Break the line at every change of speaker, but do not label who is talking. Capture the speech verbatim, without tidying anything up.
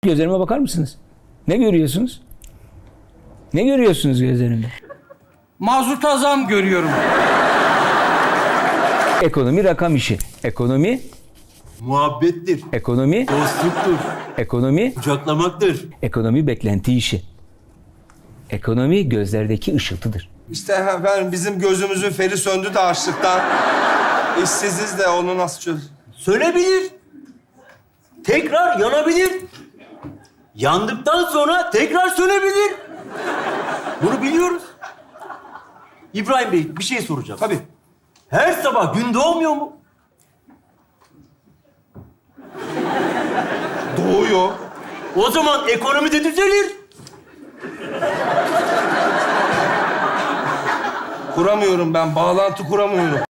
Gözlerime bakar mısınız? Ne görüyorsunuz? Ne görüyorsunuz gözlerimde?
Mazota zam görüyorum.
Ekonomi rakam işi. Ekonomi,
Muhabbettir,
ekonomi,
dostluktur,
ekonomi,
kucaklamaktır.
ekonomi beklenti işi. Ekonomi gözlerdeki ışıltıdır.
İşte efendim bizim gözümüzün feri söndü de açlıktan. İşsiziz de onu nasıl çöz?
Sönebilir. Tekrar yanabilir. Yandıktan sonra tekrar sönebilir. Bunu biliyoruz. İbrahim Bey, bir şey soracağım.
Tabii.
Her sabah gün doğmuyor mu?
Doğuyor.
O zaman ekonomi de düzelir.
Kuramıyorum ben, bağlantı kuramıyorum.